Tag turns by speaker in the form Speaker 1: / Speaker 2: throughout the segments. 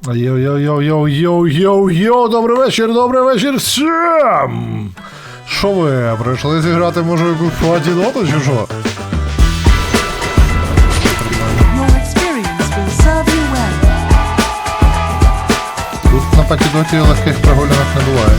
Speaker 1: Йоу-йоу-йоу-йоу-йоу-йоу, добрий вечір всім! Що ви, прийшли зіграти, може, якусь платіноту, чи що?
Speaker 2: Your experience will serve you well.
Speaker 1: Тут на патідоті легких прогулянок не буває.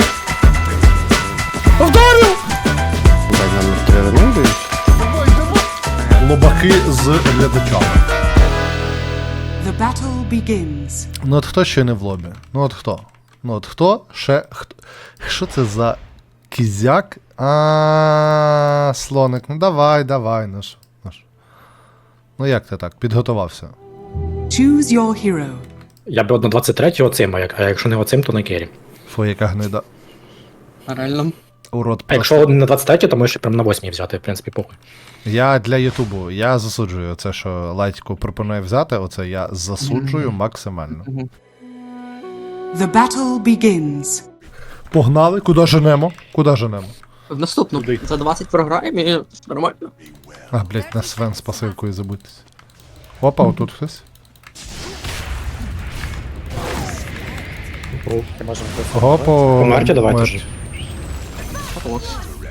Speaker 1: Повторю!
Speaker 3: Номер 3 вернусь.
Speaker 1: Лобаки з глядачами.
Speaker 2: The battle begins.
Speaker 1: Ну от хто ще не в лобі? Ну от хто? Ну от хто ще хто? Що це за кізяк? Слоник, ну давай, наш. Ну як ти так, підготувався?
Speaker 2: Choose your hero.
Speaker 4: Я б на 23-й оцим, а якщо не оцим, то на кері.
Speaker 1: Фу, яка гнида.
Speaker 5: Реально.
Speaker 1: Урод
Speaker 4: А
Speaker 1: просто.
Speaker 4: якщо не на 23-й, то можеш прям на 8-й взяти, в принципі, похуй.
Speaker 1: Я для Ютубу, я засуджую це, що Лайтько пропонує взяти, оце я засуджую максимально.
Speaker 2: The battle begins.
Speaker 1: Погнали, куди женемо? Куди женемо?
Speaker 5: В наступну. За 20 програємо і нормально.
Speaker 1: А, блять, на Свен з пасивкою забудьтесь. Опа, отут хтось. Опа,
Speaker 4: Померті давайте
Speaker 1: мерті.
Speaker 4: ж.
Speaker 5: Хорош.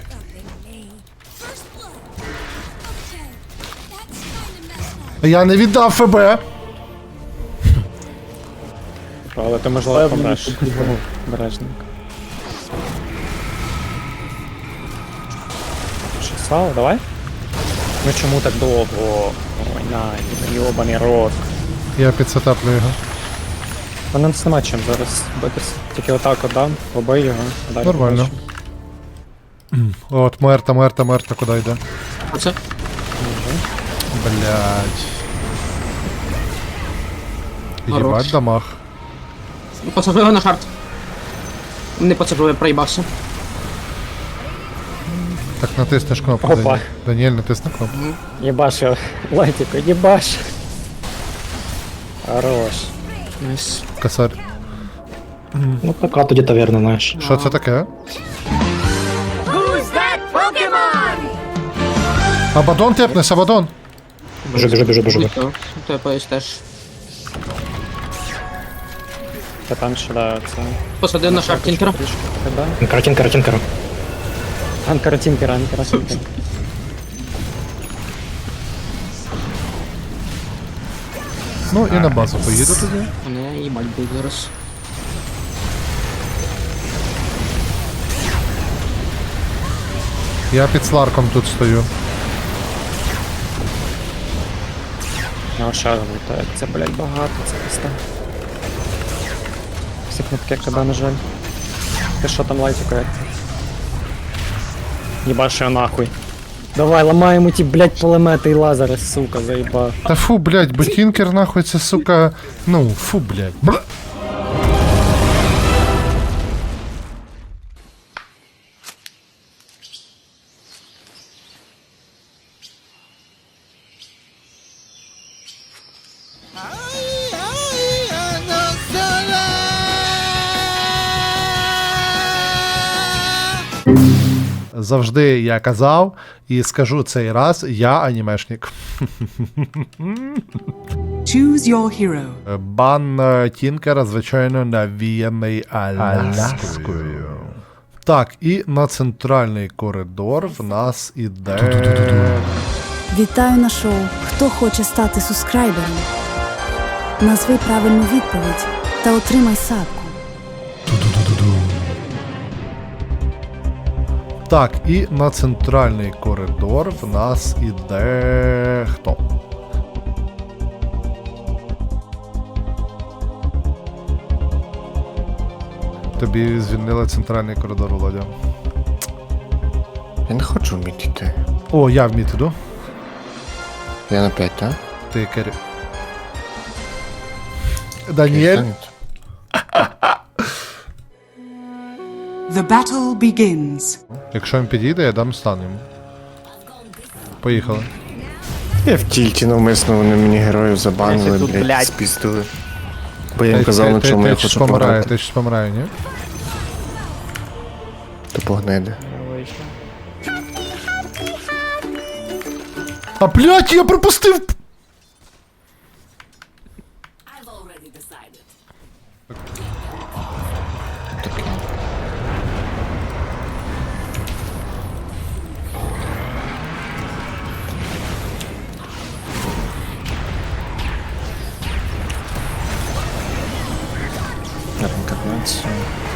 Speaker 1: Я не віддав ФБ!
Speaker 3: Але ти можливо помреш. Бережник. Що, Слава, давай? Ну чому так довго? Ой, на, йобаний рот.
Speaker 1: Я підсетаплю його.
Speaker 3: Мене нас нема чим зараз битися. Тільки отак от дам, побий його. а далі
Speaker 1: Нормально.
Speaker 3: побачимо.
Speaker 1: От, мерта, куди йде?
Speaker 5: Оце.
Speaker 1: Блять.
Speaker 5: Хорош.
Speaker 1: Єбать дамаг.
Speaker 5: Посажив на шарт. Не посажив, я проїбався.
Speaker 1: Так натиснеш кнопку,
Speaker 3: Опа.
Speaker 1: Даніель. Даніель, натисни кнопку.
Speaker 3: Єбаш його. Лайтіко, єбаш. Хорош.
Speaker 5: Найс.
Speaker 1: Косарь.
Speaker 4: Ну, така тоді таверна, знаєш.
Speaker 1: Що це таке? Абадон тепнес, Абадон.
Speaker 4: Біжу.
Speaker 5: Ти поїсть теж.
Speaker 3: Та там ще да, це.
Speaker 5: Посадив на шарт тінкера.
Speaker 3: Когда?
Speaker 4: Картинка.
Speaker 3: Анкара-тінкера.
Speaker 1: Ну і на базу поїду тоді.
Speaker 5: Мене їбать буде зараз.
Speaker 1: Я під Сларком тут стою.
Speaker 3: Ну, шар влітає. Це, блядь, багато, це пізда. Всі кнопки КД, на жаль. Ти що там, Лайтіко, як ти? Єбаш його нахуй. Давай, ламаємо ті, блядь, пулемети і лазери, сука, заїбав.
Speaker 1: Та фу, блять, бо Тінкер нахуй це, сука, ну, фу, блять. Завжди я казав і скажу цей раз, я анімешник.
Speaker 2: Choose your hero.
Speaker 1: Бан Тінкера, звичайно, навіяний Аляскою. Так, і на центральний коридор в нас іде...
Speaker 6: Вітаю на шоу «Хто хоче стати субскрайбером?» Назви правильну відповідь та отримай садку.
Speaker 1: Так, і на центральний коридор в нас іде... Хто? Тобі звільнили центральний коридор, Володя.
Speaker 3: Я не хочу вміти йти.
Speaker 1: О, я в мід іду.
Speaker 3: Я на 5, так?
Speaker 1: Ти керів. Даніель.
Speaker 2: The battle begins.
Speaker 1: Якщо він підійде, я дам стан йому. Поїхали.
Speaker 7: Я в тільті навмисно вони мені героїв забанили,
Speaker 5: Тут,
Speaker 7: блядь,
Speaker 5: блядь.
Speaker 7: спіздили. Бо я їм казав, на чому я хочу пограти.
Speaker 1: Ти щось помирає, ні?
Speaker 7: То погниди.
Speaker 1: А блять, я пропустив!
Speaker 7: Таке. Реінкарнація.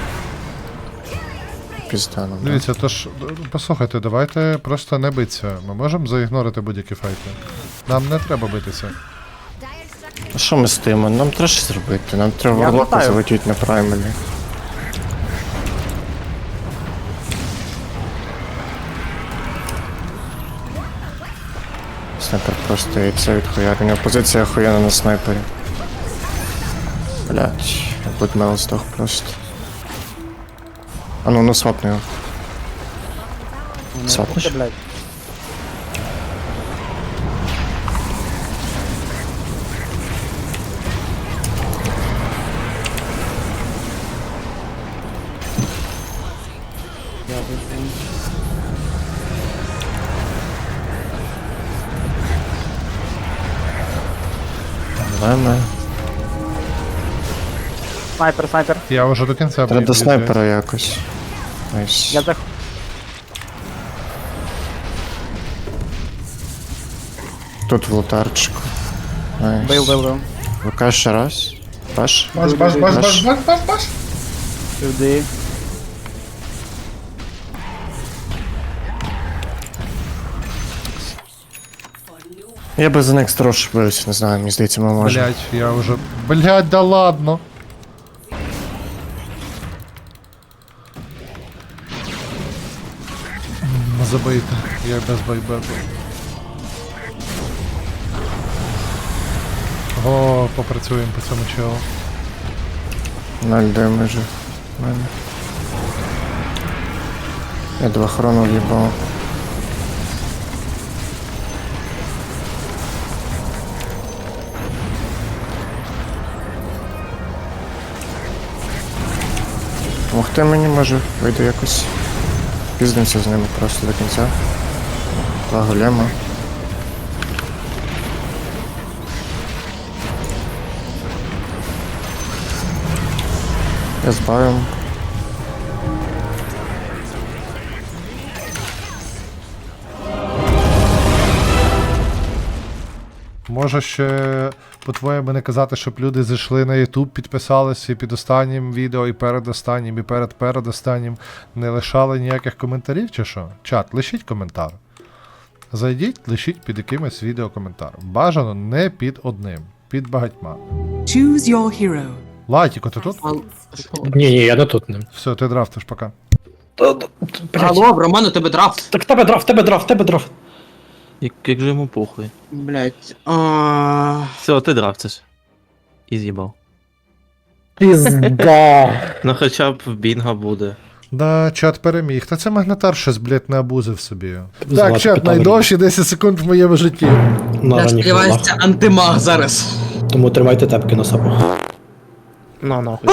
Speaker 7: Пізданом, да?
Speaker 1: Дивіться, тож, послухайте, давайте просто не битися. Ми можемо заігнорити будь-які файти. Нам не треба битися.
Speaker 7: А що ми стоїмо? Нам треба щось зробити. Нам треба варлока залетіти на праймалі. Снайпер просто яйце відхуярення. Позиція охуєнна на снайпері. Блять, Будмел здох просто. А ну свапни його. Свапнеш?
Speaker 3: Блядь.
Speaker 7: Давай ми.
Speaker 3: Снайпер, снайпер.
Speaker 1: Я вже до кінця
Speaker 7: Треба до
Speaker 1: б'юся.
Speaker 7: снайпера якось. Найс.
Speaker 3: Я зах...
Speaker 7: Тут в лотарчику. Найс.
Speaker 3: Бив.
Speaker 7: ВК ще раз. Баш?
Speaker 1: Баш.
Speaker 3: Сюди.
Speaker 7: Я би за next rush бився, не знаю, мені здається, ми можемо.
Speaker 1: Блять, я вже. Блять, да ладно. Забийте, я без байбеку. О, попрацюємо по цьому челу.
Speaker 7: 0 демеджу. в мене. Я 2 хрону в'їбав. Помогти мені може, вийду якось. Піздимося з ними просто до кінця. 2 голема. Я збавив.
Speaker 1: Може ще по-твоєму не казати, щоб люди зайшли на YouTube, підписалися і під останнім відео, і перед останнім, і перед останнім не лишали ніяких коментарів, чи що? Чат, лишіть коментар. Зайдіть, лишіть під якимось відео коментар. Бажано не під одним, під багатьма.
Speaker 2: Choose your hero.
Speaker 1: Лайтіко, ти тут?
Speaker 4: Ні, я не тут не.
Speaker 1: Все, ти драфтиш, пока.
Speaker 5: Алло, Роман, у тебе драфт.
Speaker 4: Так тебе драфт.
Speaker 8: Як же йому похуй.
Speaker 5: Блять.
Speaker 8: Все, ти драфтиш. І з'їбав.
Speaker 4: Пізда.
Speaker 8: Ну хоча б в бінго буде.
Speaker 1: Да, чат переміг. Та це магнатар щось, блядь, не абузив собі.
Speaker 4: Звати
Speaker 1: Так, чат,
Speaker 4: питали.
Speaker 1: найдовші 10 секунд в моєму житті.
Speaker 4: На
Speaker 5: Я
Speaker 4: ранніх
Speaker 5: сподіваюся,
Speaker 4: ногах.
Speaker 5: антимаг зараз.
Speaker 4: Тому тримайте тепки на сапах.
Speaker 3: На нахуй.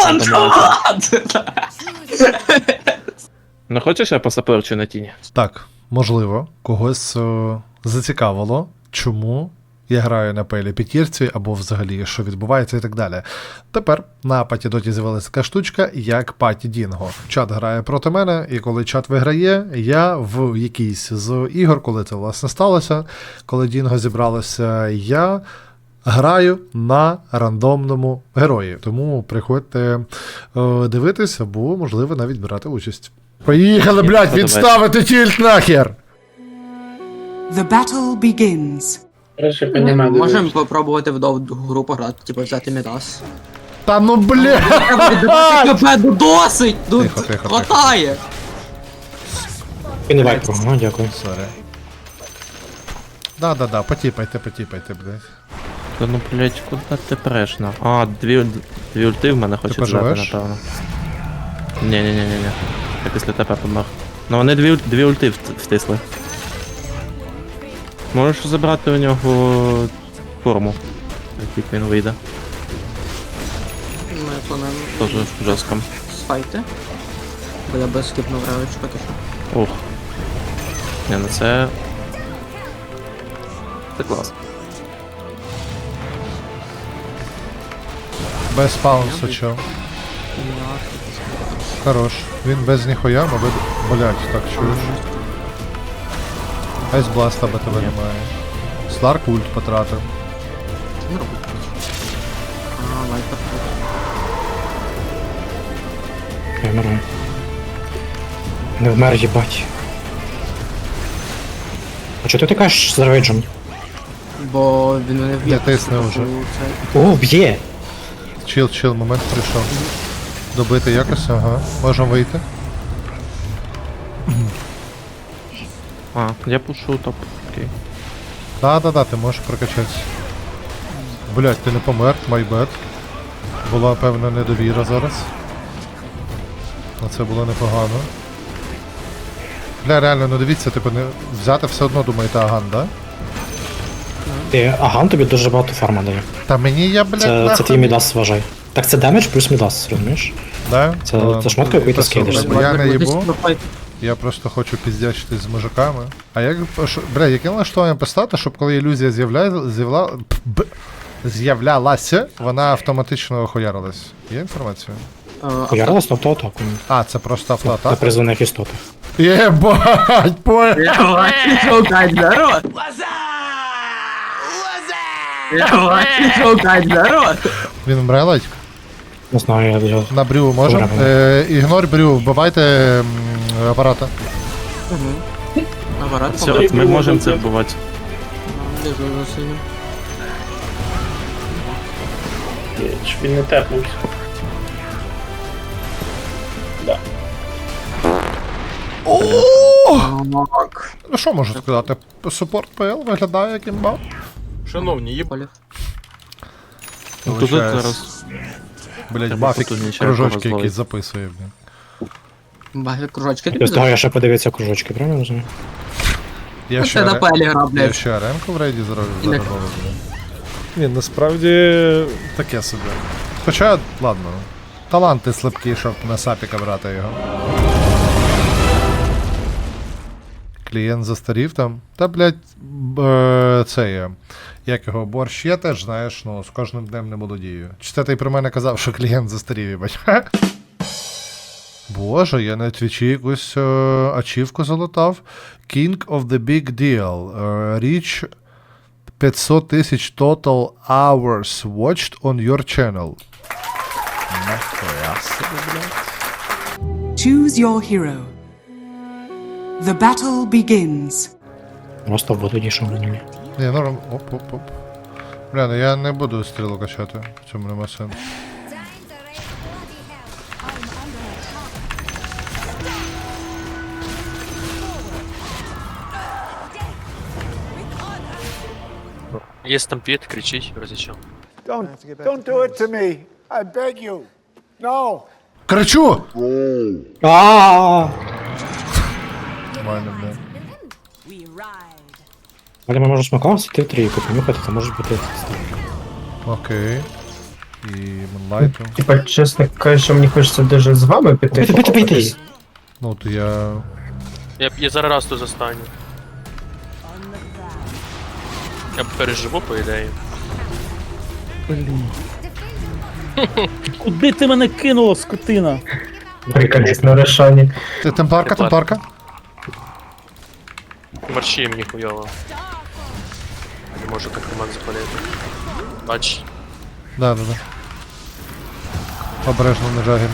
Speaker 8: Ну хочеш я посаперчу на тіні?
Speaker 1: Так, можливо, когось зацікавило, чому я граю на пелі п'ятірці, або взагалі, що відбувається і так далі. Тепер на Патідоті з'явилася така штучка, як Паті Дінго. Чат грає проти мене, і коли чат виграє, я в якійсь з ігор, коли це власне сталося, коли Дінго зібралося, я граю на рандомному герої. Тому приходьте дивитись, або, можливо, навіть брати участь. Поїхали, блядь, відставити тільт нахер!
Speaker 2: The battle begins.
Speaker 5: Можемо попробувати в довгу гру пограти, типу взяти Мідас.
Speaker 1: Та ну, блядь!
Speaker 5: Треба віддавати КП, ну досить! Ну
Speaker 1: Тихо.
Speaker 5: хватає!
Speaker 4: І не вайпро, ну дякую.
Speaker 1: Сорі. Да, потіпайте, блядь.
Speaker 8: Та ну блять, куди ти преш на? А, дві ульти в мене хочуть взяти,
Speaker 1: поживеш?
Speaker 8: напевно. Ні. Я після тебе помер. Ну вони дві ульти втисли. Можеш забрати у нього форму. Як він вийде.
Speaker 5: Ми плануємо
Speaker 8: Тоже жорстко.
Speaker 5: сфайти. Бо я без скипнув ревич поки що.
Speaker 8: Ух. Не, ну це. Це клас.
Speaker 1: Без паунсу, чо. Хорош. Він без ніхуя, мабуть. Блять, так чуєш. Айс бласта би тебе немає. Сларк ульт потратив.
Speaker 5: Не робить. А, вайпер.
Speaker 4: Я вмираю. Не вмер, їбать. А чого ти кажеш з рейджем?
Speaker 5: Бо він мене вб'є.
Speaker 1: Не тисне вже.
Speaker 4: О, б'є!
Speaker 1: Чил, момент прийшов. Добити якось, ага. Можемо вийти.
Speaker 8: А, я пушу топ. Окей.
Speaker 1: Да, ти можеш прокачатися. Блять, ти не помер, my bad. Була певна недовіра зараз. А це було непогано. Бля, реально, ну дивіться, типу, не взяти все одно думаєте Аган, да?
Speaker 4: Ти Аган тобі дуже багато фарма дає.
Speaker 1: Та мені я, блядь,
Speaker 4: Це
Speaker 1: нахуй.
Speaker 4: твій мідас, вважай. Так це демедж плюс мідас, розумієш?
Speaker 1: Да?
Speaker 4: Це шмотка, яку ти скидаєш.
Speaker 1: Я не їбу, я просто хочу піздячитись з мужиками. А як, бля, яке налаштування поставити, щоб коли ілюзія з'являлася, вона автоматично охуярилась? Є інформація?
Speaker 4: Поярилась на автоатаку.
Speaker 1: А, це просто
Speaker 4: На
Speaker 1: автоатака?
Speaker 4: призваних істотах.
Speaker 1: Єбать,
Speaker 5: Давай, шукай народ! Давай, шукай народ!
Speaker 1: Він вмре, ледь?
Speaker 4: Не знаю, я...
Speaker 1: На брю можем?
Speaker 4: Добре.
Speaker 1: Ігнор брю, вбивайте апарата.
Speaker 5: Апарат,
Speaker 8: Все, ми можемо це вбивати.
Speaker 5: Лежу за синім.
Speaker 3: Він не тепнуть.
Speaker 5: Так.
Speaker 1: Ну що можу сказати? Супорт ПЛ виглядає як імба.
Speaker 5: Полів.
Speaker 8: Ну, тут
Speaker 1: Вибачаюсь.
Speaker 8: зараз.
Speaker 1: Блять,
Speaker 8: Треба
Speaker 1: Бафік
Speaker 8: потужніше
Speaker 1: кружочки
Speaker 8: якогось
Speaker 1: якісь
Speaker 8: зловити.
Speaker 1: записує, блін.
Speaker 5: Баги кружочки тобі
Speaker 4: Без того я ще подивився кружочки, правильно розумію?
Speaker 1: Я
Speaker 5: Це на пелі гра,
Speaker 1: я
Speaker 5: блядь.
Speaker 1: ще аренку в рейді зробив.
Speaker 5: Не-
Speaker 1: Ні, насправді таке собі. Хоча, ладно. Таланти слабкі, щоб на сапіка брати його. Клієнт застарів там. Та, блядь, це є. Як його борщ є теж, знаєш, ну, з кожним днем не молодію. Чи це ти про мене казав, що клієнт застарів, їбать? Боже, я на твічі якусь ачівку залутав. King of the Big Deal. Reach 500 тисяч total hours watched on your channel. Нахуя собі, блядь.
Speaker 2: Choose your hero. The battle begins.
Speaker 4: Просто в воду дійшов на нього.
Speaker 1: Ні, норм. Оп. Бля, ну я не буду стрілу качати. В цьому нема сенсу.
Speaker 9: Є стампід, кричить, розічав.
Speaker 10: Don't do it to me. I beg you. No.
Speaker 1: Кричу!
Speaker 4: Ааа!
Speaker 1: Нормально, бля.
Speaker 4: Але ми можемо смакуватися, ти в трійку понюхати, це може бути.
Speaker 1: Окей. І Мунлайту.
Speaker 3: Типа, чесно кажучи, мені хочеться даже з вами піти.
Speaker 4: Пити.
Speaker 1: Ну, то я...
Speaker 9: Я зараз раз тут застану. Я переживу, по ідеї.
Speaker 3: Куди ти мене кинуло, скотина? Приколіс на решані.
Speaker 1: Ти темпларка?
Speaker 9: Марші мені хуйово. Не можу так команд запалити. Бач.
Speaker 1: Да. Обережно не жагін.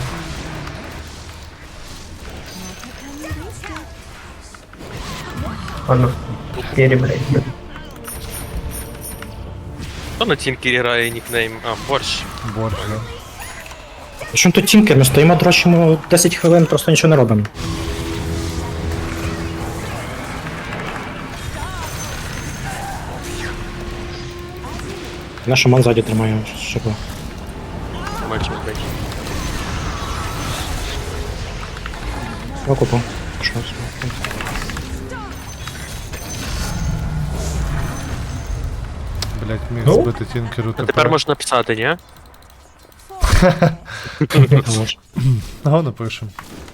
Speaker 3: Ладно, перебрей.
Speaker 9: Хто на тінкері грає нікнейм? А, борщ.
Speaker 1: Борщ, да.
Speaker 4: Чому тут тінкер? Ми стоїмо, дрочимо 10 хвилин, просто нічого не робимо. Наш шаман ззаді тримає шипло.
Speaker 9: Мальчик, блядь.
Speaker 4: Окупу. Що?
Speaker 1: Блять, міг збити тінкеру
Speaker 9: А тепер можна писати, ні?
Speaker 1: Ага, напишем.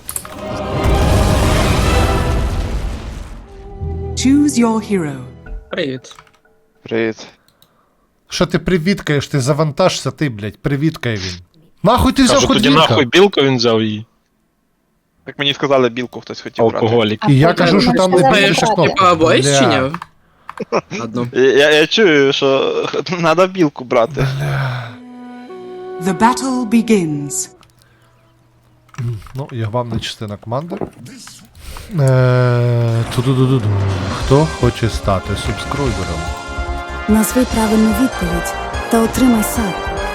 Speaker 2: Choose your hero.
Speaker 5: Привіт.
Speaker 7: Привіт.
Speaker 1: Що ти привіткаєш? Ти завантажся, ти, блять, привіткає він. Нахуй ти взяв
Speaker 11: Кажу, тоді
Speaker 1: ходвінка?
Speaker 11: нахуй білку він взяв її.
Speaker 9: Так мені сказали, білку хтось хотів брати.
Speaker 11: Алкоголік.
Speaker 1: І я кажу, що там не
Speaker 5: Типа,
Speaker 1: більше кнопки.
Speaker 5: Типа, боїсь чи
Speaker 1: Бля.
Speaker 5: ні? Одну.
Speaker 9: Я чую, що треба білку брати.
Speaker 2: The battle begins.
Speaker 1: Ну, я вам не частина команди. Ту-ду-ду-ду-ду. Хто хоче стати субскройбером?
Speaker 6: Назви правильну відповідь та отримай сад.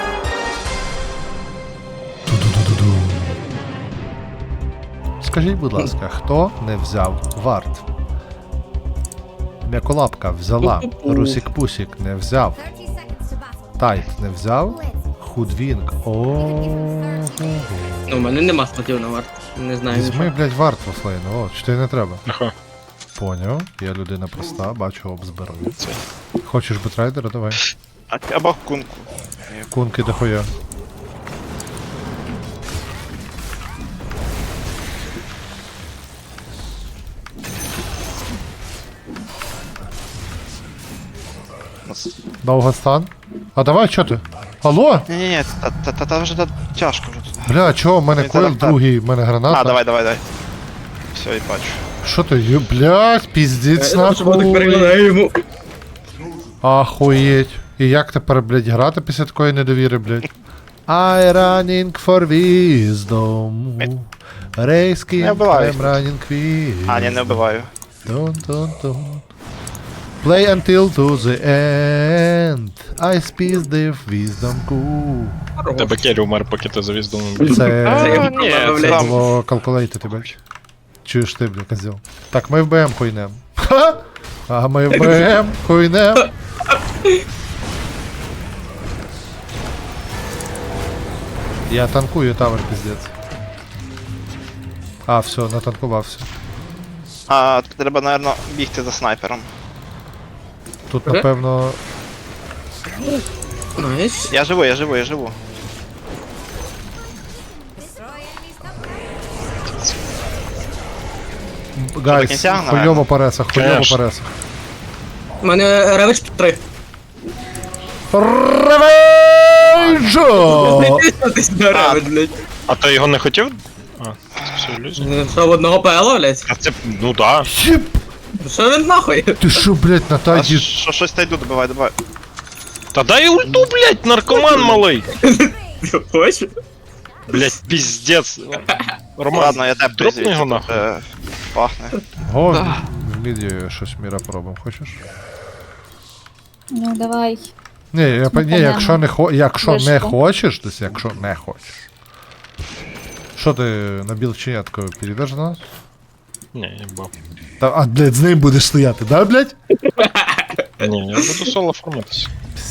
Speaker 1: Ту-ду-ду-ду-ду. Скажіть, будь ласка, хто не взяв варт? М'яколапка взяла, Русік-Пусік не взяв, Тайт не взяв, Худвінг.
Speaker 5: Ну, у мене нема статів на варт. Не знаю.
Speaker 1: Візьми, блядь, варт Вафлейн, о, чи ти не треба?
Speaker 11: Ага.
Speaker 1: Поняв, я людина проста, бачу обзбираю. Хочеш бетрайдера? Давай.
Speaker 9: Або кунку.
Speaker 1: Кунки дохуя. Довгостан? А давай, чо ти? Алло?
Speaker 9: Ні-ні-ні, та вже тяжко вже тут.
Speaker 1: Бля, чого, в мене
Speaker 9: Ні,
Speaker 1: койл
Speaker 9: так, так.
Speaker 1: другий, в мене граната.
Speaker 9: А, давай. Все, і бачу.
Speaker 1: Що ти, блядь, піздець
Speaker 5: Я так
Speaker 1: нахуй.
Speaker 5: переглядаю йому.
Speaker 1: Ахуєть. І як тепер, блядь, грати після такої недовіри, блядь? I running for wisdom. Рейський,
Speaker 9: Не вбиваю
Speaker 1: I'm
Speaker 9: їх.
Speaker 1: running quick.
Speaker 9: А, ні, не вбиваю.
Speaker 1: Don't. Play until to the end. I speak the wisdom cool.
Speaker 11: Тебе Керрі умер, поки ти завіз дому.
Speaker 1: Це
Speaker 9: Ні,
Speaker 5: Це
Speaker 9: це там.
Speaker 1: було калкулейти, ти бачиш? Чуєш ти, бля, козел. Так, ми в БМ хуйнем. Ха! А ми в БМ хуйнем. Я танкую тавер, пиздец. А, все, натанкувався.
Speaker 9: А, треба, напевно, бігти за снайпером.
Speaker 1: Тут, напевно,
Speaker 5: Найс.
Speaker 9: Я живу.
Speaker 1: гайс,
Speaker 9: кінця,
Speaker 1: хуйово
Speaker 9: наверно?
Speaker 1: по ресах, хуйово
Speaker 11: Конечно.
Speaker 1: по ресах.
Speaker 5: У мене ревич 3.
Speaker 1: Ревенджо!
Speaker 5: Ти сюди ревич, блядь.
Speaker 11: А ти його не хотів? А, це все ілюзія.
Speaker 5: Що, в одного ПЛ, блядь?
Speaker 11: А це, ну да.
Speaker 1: Єп!
Speaker 5: Що він нахуй?
Speaker 1: Ти що, блядь, на
Speaker 9: А
Speaker 1: таді?
Speaker 9: що, щось та йду, добивай.
Speaker 11: Та дай ульту, блядь, наркоман малий.
Speaker 5: Хочеш?
Speaker 11: Блядь, піздець. Роман,
Speaker 9: Ладно, я тебе
Speaker 11: дропни його нахуй.
Speaker 9: Пахне.
Speaker 1: Го, в міді щось міра пробуємо, хочеш?
Speaker 12: Ну давай.
Speaker 1: Ні, якщо не якщо не
Speaker 12: Вишку.
Speaker 1: хочеш, то есть якщо не хочеш. Що ти на білченятку перейдеш до нас?
Speaker 11: Ні, я бав.
Speaker 1: Та, а, блядь, з ним будеш стояти, да, блядь?
Speaker 11: Ні, я буду соло форматися.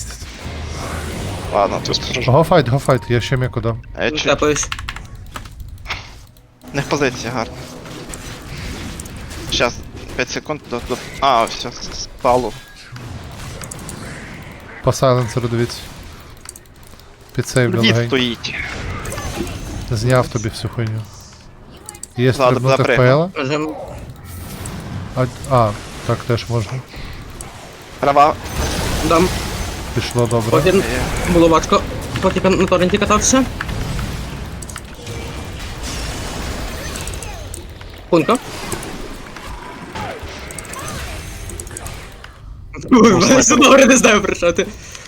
Speaker 9: Ладно,
Speaker 11: Ти
Speaker 9: тут.
Speaker 11: скажи.
Speaker 1: Го файт, я ще м'яко дам.
Speaker 9: Я чую.
Speaker 5: Тепаюсь.
Speaker 9: Не в позиції, гарно. Щас, 5 секунд до... А, все, спалу.
Speaker 1: По сайленсеру дивіться. Підсейвлю
Speaker 9: Дід
Speaker 1: легень.
Speaker 9: стоїть.
Speaker 1: Зняв тобі всю хуйню. Є
Speaker 9: Ладно,
Speaker 1: стрибнути в
Speaker 9: запригну.
Speaker 1: ПЛ?
Speaker 5: Можем.
Speaker 1: А, так теж можна.
Speaker 9: Права.
Speaker 5: Дам.
Speaker 1: Пішло добре.
Speaker 5: Потім було важко. Поки на торренті катався. Кунка. Все добре, не знаю про що ти.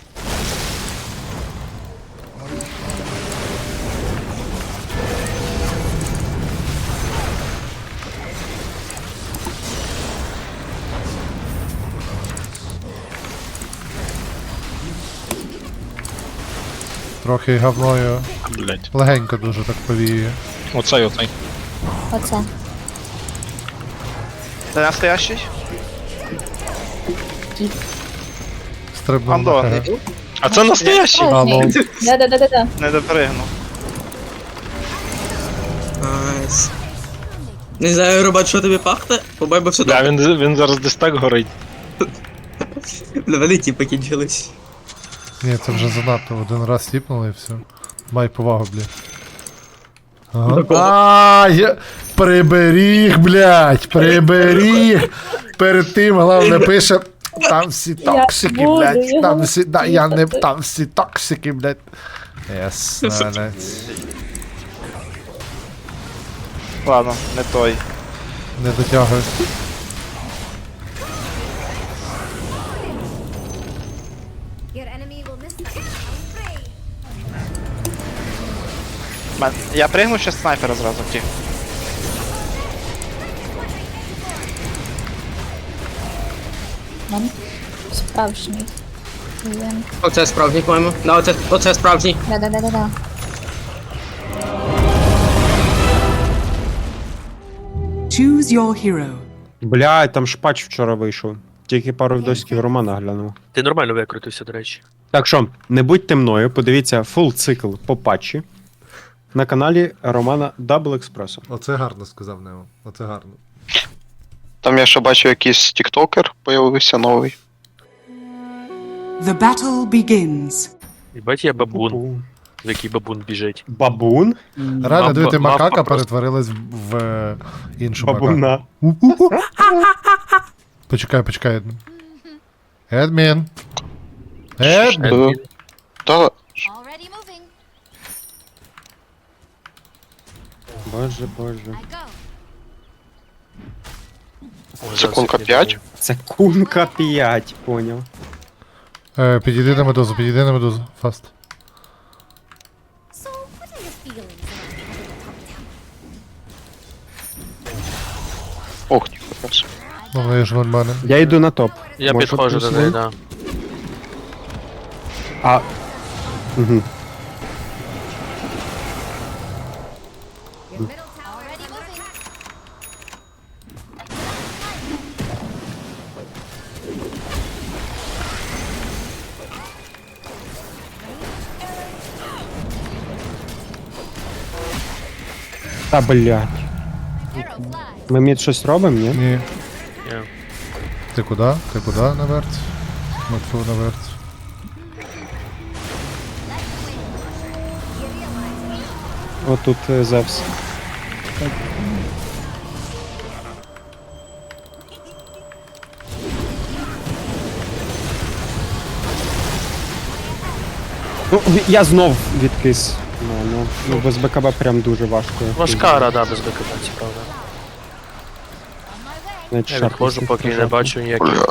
Speaker 1: Трохи говною.
Speaker 11: Блядь.
Speaker 1: Легенько дуже так повіює.
Speaker 11: Оцей.
Speaker 12: Оце.
Speaker 9: Це настоящий?
Speaker 1: Стрибнув
Speaker 9: Андо.
Speaker 1: на ХГ.
Speaker 11: А це настоящий?
Speaker 1: Алло.
Speaker 12: Да.
Speaker 9: Не допригнув.
Speaker 5: Найс. Не знаю, робот, що тобі пахне, побай би все
Speaker 11: Да,
Speaker 5: добре.
Speaker 11: він зараз десь так горить.
Speaker 5: Вони ті покінчились.
Speaker 1: Ні, це вже занадто. Один раз тіпнули і все. Май повагу, блядь. Ага. А, я... Приберіг, блядь, приберіг. Перед тим, головне, пише. Там всі токсики,
Speaker 12: буду
Speaker 1: блядь.
Speaker 12: його
Speaker 1: Там всі, да, я не, там всі токсики, блядь. Єс, молодець.
Speaker 11: Ладно, не той.
Speaker 1: Не дотягує.
Speaker 11: Я пригну, ще снайпера зразу втік.
Speaker 12: Нам справжній. Він.
Speaker 5: Оце справжній, по-моєму. Да, оце справжній.
Speaker 12: Да-да-да-да-да.
Speaker 2: Choose your hero.
Speaker 3: Блядь, там шпач вчора вийшов. Тільки пару відосиків Романа глянув.
Speaker 9: Ти нормально викрутився, до речі.
Speaker 3: Так що, не будьте мною, подивіться фул цикл по патчі на каналі Романа Double Expresso.
Speaker 1: Оце гарно сказав Нео. Оце гарно.
Speaker 11: Там я ще бачу якийсь тіктокер появився новий.
Speaker 2: The battle begins.
Speaker 9: Їбать, я бабун. В який бабун біжить.
Speaker 3: Бабун?
Speaker 1: Реально, дивіться,
Speaker 9: мавпа
Speaker 1: макака
Speaker 9: просто.
Speaker 1: перетворилась в іншу макаку.
Speaker 3: Бабуна.
Speaker 1: Почекай. Едмін. Едмін.
Speaker 11: Та
Speaker 3: Боже.
Speaker 11: секундка 5.
Speaker 3: Це кунка 5, поняв.
Speaker 1: Підійди на медузу, фаст.
Speaker 11: Ох, ніхуя.
Speaker 1: Ну, вони ж нормально.
Speaker 3: Я йду на топ.
Speaker 9: Я
Speaker 3: Може,
Speaker 9: підходжу до
Speaker 3: плюс
Speaker 9: неї,
Speaker 3: один?
Speaker 9: да.
Speaker 3: А. Угу. Та блядь. Ми мід щось робимо, ні?
Speaker 1: Ні.
Speaker 9: Ні.
Speaker 1: Ти куди наверх? Матфу наверх.
Speaker 3: Отут Зевс. Ну, я знов відкис. Ну, без БКБ прям дуже важко.
Speaker 9: Важка рада без БКБ, це правда.
Speaker 3: Навіть
Speaker 9: Я
Speaker 3: шарпнув
Speaker 9: відходжу, поки не
Speaker 3: жопу.
Speaker 9: бачу ніяких.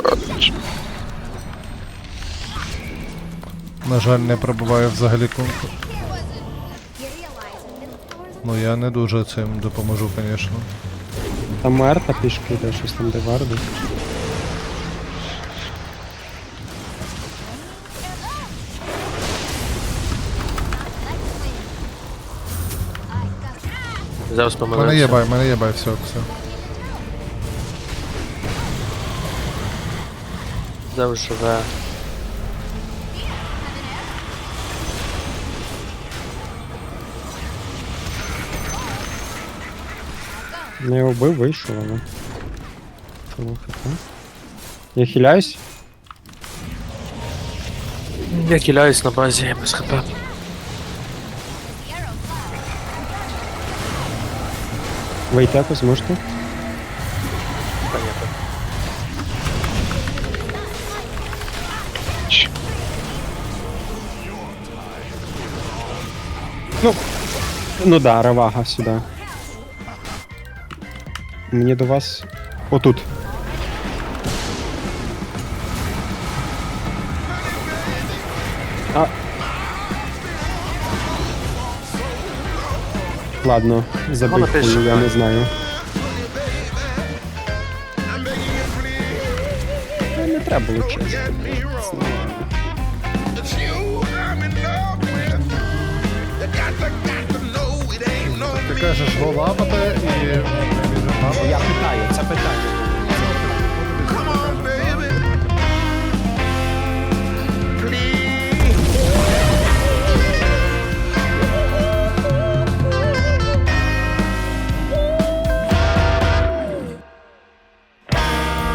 Speaker 1: На жаль, не пробуваю взагалі кунку. Ну я не дуже цим допоможу, звісно.
Speaker 3: Там Мерта пішки йде, щось там де варди.
Speaker 9: Зараз
Speaker 1: Мене
Speaker 9: помилився.
Speaker 1: є бай, все.
Speaker 9: Зараз живе.
Speaker 3: Не його вбив, вийшов, але. Чого хп? Я хиляюсь?
Speaker 9: Я киляюсь на базі без хп.
Speaker 3: Вийти якось можете?
Speaker 9: Понятно.
Speaker 3: Ну да, Равага сюди. Мені до вас. Отут. А. Ладно, забив
Speaker 9: Вона теж
Speaker 3: пулю, я
Speaker 9: шукає.
Speaker 3: не знаю. Не треба було чесно.
Speaker 1: Ти кажеш, го лапати і...
Speaker 3: Я питаю, це питання.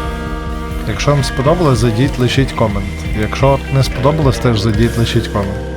Speaker 1: Якщо вам сподобалось, зайдіть, лишіть комент. Якщо не сподобалось, теж зайдіть, лишіть комент.